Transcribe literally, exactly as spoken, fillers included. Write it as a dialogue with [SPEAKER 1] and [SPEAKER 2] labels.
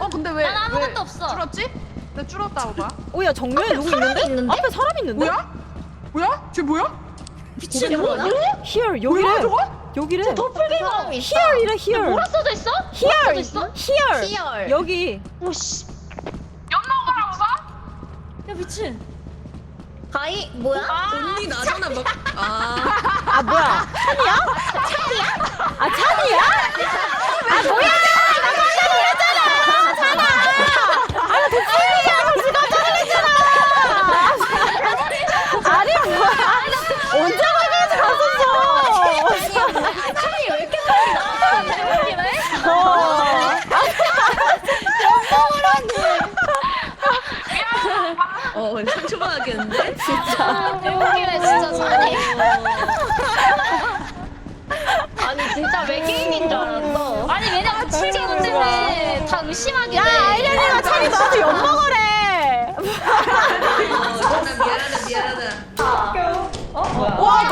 [SPEAKER 1] 어 근데 왜?
[SPEAKER 2] 난 아무것도
[SPEAKER 1] 왜
[SPEAKER 2] 없어.
[SPEAKER 1] 줄었지? 나 줄었다 오빠.
[SPEAKER 3] 오야 정면에 누구 있는데?
[SPEAKER 4] 있는데?
[SPEAKER 3] 앞에 사람 있는데?
[SPEAKER 1] 뭐야? 뭐야? 쟤 뭐야?
[SPEAKER 4] 미친
[SPEAKER 1] 뭐야?
[SPEAKER 4] 뭐야?
[SPEAKER 3] Here
[SPEAKER 1] 뭐야
[SPEAKER 3] 여기래.
[SPEAKER 1] 저거?
[SPEAKER 3] 여기래.
[SPEAKER 4] 도플갱어 사람이 있어.
[SPEAKER 3] Here이래 here.
[SPEAKER 2] 뭐라 써져 있어?
[SPEAKER 3] Here.
[SPEAKER 2] 있어?
[SPEAKER 3] Here.
[SPEAKER 4] Here.
[SPEAKER 3] 여기.
[SPEAKER 4] 오씨.
[SPEAKER 1] 연나오라고 봐?
[SPEAKER 2] 야 미친.
[SPEAKER 4] 가이 뭐야?
[SPEAKER 5] 언니 나잖아 막. 아.
[SPEAKER 3] 아 뭐야? 찬이야? 찬이야? 아 찬이야? 아 뭐야? 나 깜짝 놀랐잖아. 찬아. 아나 도플갱이야. 벌써 깜짝 놀랐잖아. 아니 뭐야? 언제 가까이 갔었어?
[SPEAKER 4] 찬이 왜 이렇게 빨리 나와? 대박이네.
[SPEAKER 3] 어.
[SPEAKER 5] 어 상처받았겠는데?
[SPEAKER 2] 아 대박이네 진짜 산이.
[SPEAKER 4] 아니 진짜 외계인인 줄 알았어.
[SPEAKER 2] 아니 왜냐면 칠개월 때문에 다 의심하게 돼.
[SPEAKER 3] 야 아이언이